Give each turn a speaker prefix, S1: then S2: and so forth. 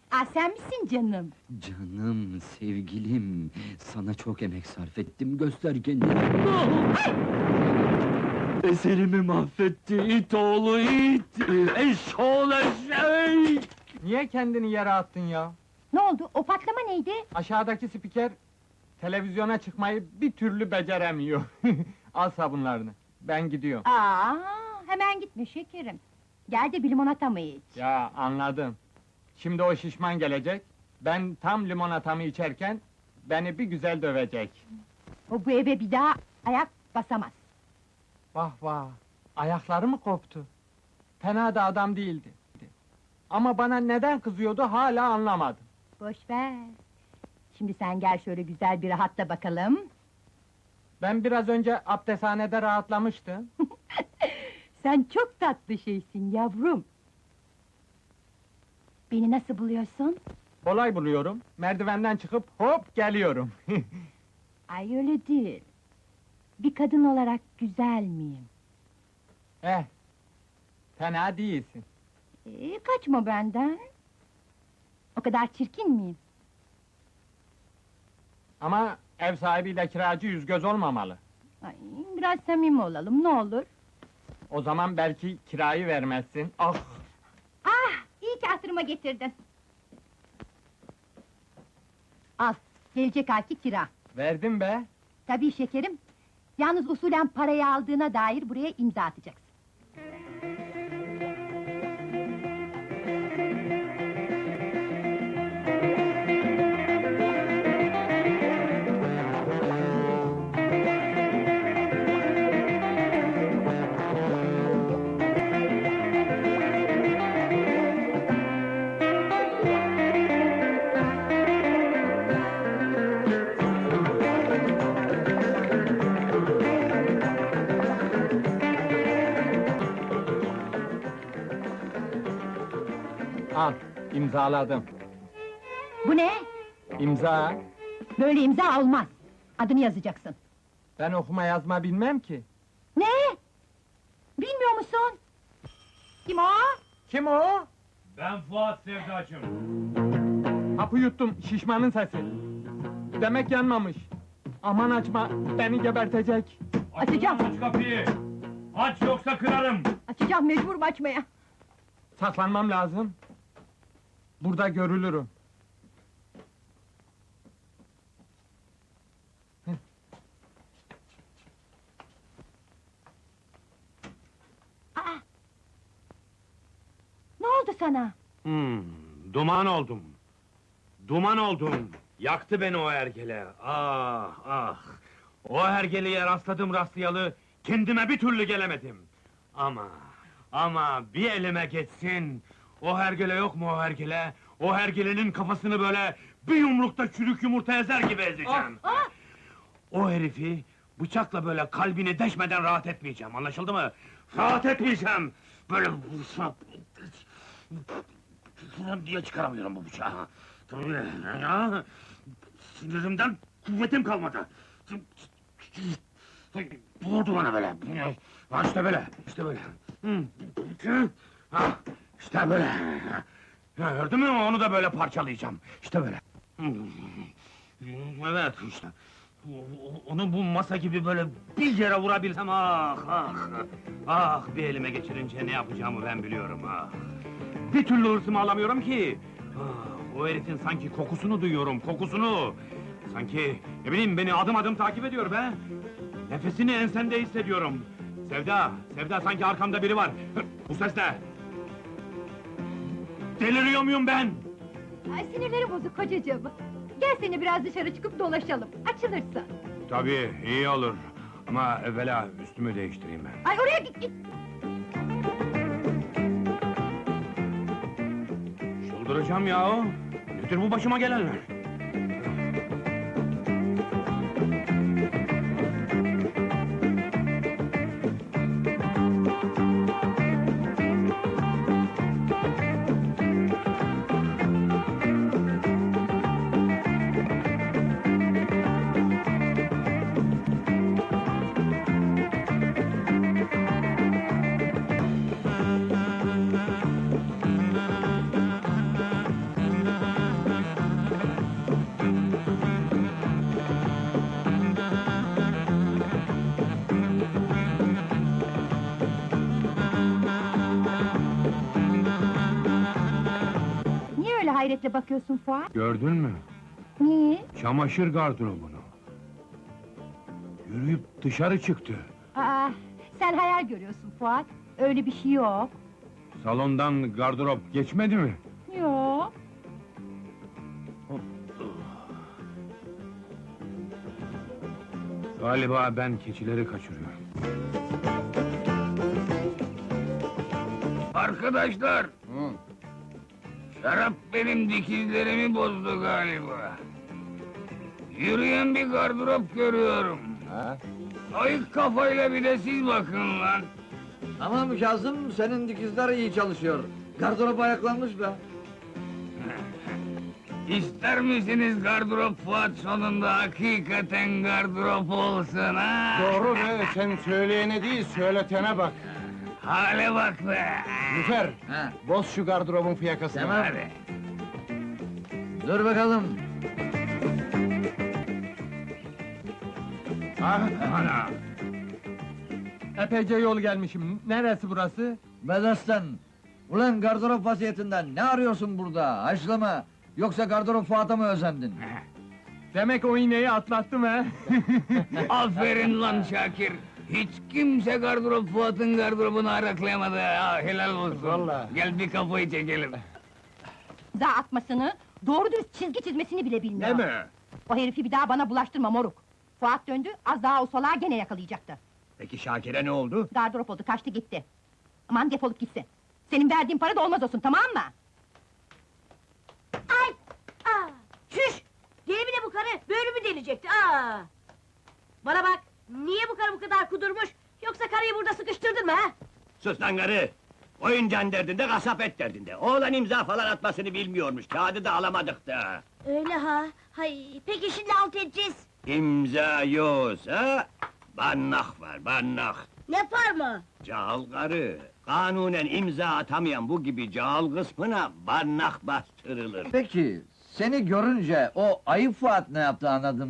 S1: Aa, sen misin canım?
S2: Canım, sevgilim, sana çok emek sarf ettim, göster kendini. Eserimi mahvetti, it oğlu it! Eşşoğlu eşek!
S3: Niye kendini yere attın ya?
S1: Ne oldu, o patlama neydi?
S3: Aşağıdaki spiker televizyona çıkmayı bir türlü beceremiyor. Al sabunlarını. Ben gidiyorum.
S1: Aa, hemen gitme şekerim. Gel de bir limonata mı iç?
S3: Ya anladım. Şimdi o şişman gelecek. Ben tam limonatamı içerken beni bir güzel dövecek.
S1: O bu eve bir daha ayak basamaz.
S3: Vah vah. Ayakları mı koptu? Fena da adam değildi. Ama bana neden kızıyordu hala anlamadım.
S1: Boş ver. Şimdi sen gel şöyle güzel bir rahatla bakalım.
S3: Ben biraz önce abdesthanede rahatlamıştım.
S1: Sen çok tatlı şeysin yavrum. Beni nasıl buluyorsun?
S3: Kolay buluyorum. Merdivenden çıkıp hop geliyorum.
S1: Ay öyle değil. Bir kadın olarak güzel miyim?
S3: Eh. Fena değilsin.
S1: Kaçma benden. O kadar çirkin miyim?
S3: Ama ev sahibiyle kiracı yüz göz olmamalı.
S1: Ay, biraz samimi olalım, ne olur.
S3: O zaman belki kirayı vermezsin. Ah!
S1: Ah, iyi ki hatırıma getirdin. Al, gelecek ayki kira.
S3: Verdim be!
S1: Tabii şekerim. Yalnız usulen parayı aldığına dair buraya imza atacaksın.
S3: Al, imzaladım.
S1: Bu ne?
S3: İmza!
S1: Böyle imza olmaz. Adını yazacaksın.
S3: Ben okuma yazma bilmem ki.
S1: Ne? Bilmiyor musun? Kim o?
S3: Kim o?
S4: Ben Fuat Sevdacım.
S3: Hapı yuttum, şişmanın sesi. Demek yanmamış. Aman açma, beni gebertecek.
S1: Açacağım.
S4: Aç kapıyı! Aç yoksa kırarım!
S1: Açacağım, mecburum açmaya.
S3: Saklanmam lazım. Burada görülürüm.
S1: Aa! Ne oldu sana?
S4: Duman oldum. Duman oldum. Yaktı beni o hergele. Ah, ah! O hergeleye rastladım rastlayalı, kendime bir türlü gelemedim. Ama bir elime geçsin... O hergele yok mu o hergele? O hergelenin kafasını böyle bir yumrukta çürük yumurta ezer gibi ezeceğim.
S1: Ah!
S4: O herifi bıçakla böyle kalbini deşmeden rahat etmeyeceğim, anlaşıldı mı? Rahat etmeyeceğim! Böyle vursam... diye çıkaramıyorum bu bıçağı. Tabii ya! Sinirimden kuvvetim kalmadı. Vurdu bana böyle. Ha işte böyle, işte böyle. Ha, işte böyle. Ya, gördün mü? Onu da böyle parçalayacağım. İşte böyle. Evet, işte. Onu bu masa gibi böyle bir yere vurabilsem, ah, ah! Ah, bir elime geçirince ne yapacağımı ben biliyorum, ah! Bir türlü hırsımı alamıyorum ki! Ah, o herifin sanki kokusunu duyuyorum, kokusunu! Sanki, ne bileyim, beni adım adım takip ediyor be! Nefesini ensemde hissediyorum! Sevda, Sevda, sanki arkamda biri var! Bu ses ne? Deliriyor muyum ben?
S1: Ay, sinirlerim bozuk kocacığım. Gel seni biraz dışarı çıkıp dolaşalım, açılırsın.
S4: Tabii, iyi olur. Ama evvela üstümü değiştireyim ben.
S1: Ay, oraya git!
S4: Çıldıracağım yahu! Nedir bu başıma gelenler?
S1: hayretle bakıyorsun Fuat?
S4: Gördün mü?
S1: Niye?
S4: Çamaşır gardırobunu. Yürüyüp dışarı çıktı.
S1: Aa, sen hayal görüyorsun Fuat. Öyle bir şey yok.
S4: Salondan gardırop geçmedi mi?
S1: Yok.
S4: Galiba ben keçileri kaçırıyorum.
S5: Arkadaşlar! Şarap benim dikizlerimi bozdu galiba. Yürüyen bir gardırop görüyorum. Ayık kafayla bir de siz bakın lan.
S6: Tamam Kazım, senin dikizler iyi çalışıyor. Gardırop ayaklanmış be.
S5: İster misiniz gardırop Fuat sonunda hakikaten gardırop olsun ha?
S7: Doğru be, sen söyleyene değil, söyletene bak.
S5: Hale bak be!
S7: Lüfer,
S6: Ha,
S7: boz şu gardırobun fiyakasını.
S6: tamam.
S5: Hadi.
S6: Dur bakalım.
S5: Ana!
S3: Epeyce yol gelmişim. Neresi burası?
S6: Bedastan. Ulan gardırop vaziyetinden ne arıyorsun burada? Haşlama. Yoksa gardırop Fuat'a mı özendin?
S3: Demek o iğneyi atlattım he.
S5: Aferin lan Şakir! Hiç kimse gardırop Fuat'ın gardırobunu araklayamadı ha, helal olsun!
S7: Vallahi.
S5: Gel bir kafayı çekelim!
S1: Za atmasını, doğru dürüst çizgi çizmesini bile bilmiyor.
S5: mi?
S1: O herifi bir daha bana bulaştırma moruk. Fuat döndü, az daha o salağı gene yakalayacaktı.
S5: Peki Şakir'e ne oldu?
S1: Gardırop oldu, kaçtı gitti. Aman defolup gitsin. Senin verdiğin para da olmaz olsun, tamam mı?
S8: Ay! Aa! Çüş! Deli mi ne bu karı? Böyle mi delecekti? Aa! Bana bak! Niye bu karı bu kadar kudurmuş? Yoksa karıyı burada sıkıştırdın mı ha?
S9: Sus lan karı! Oyuncağın derdinde, kasap et derdinde. Oğlan imza falan atmasını bilmiyormuş, kağıdı da alamadık da.
S8: Öyle ha? Hay! Peki şimdi alt edeceğiz.
S9: İmza yoksa, bannak var, bannak.
S8: Ne var mı?
S9: Cahil karı, kanunen imza atamayan bu gibi cahil kısmına bannak bastırılır.
S6: Peki, seni görünce o ayıp Fuat ne yaptı anladın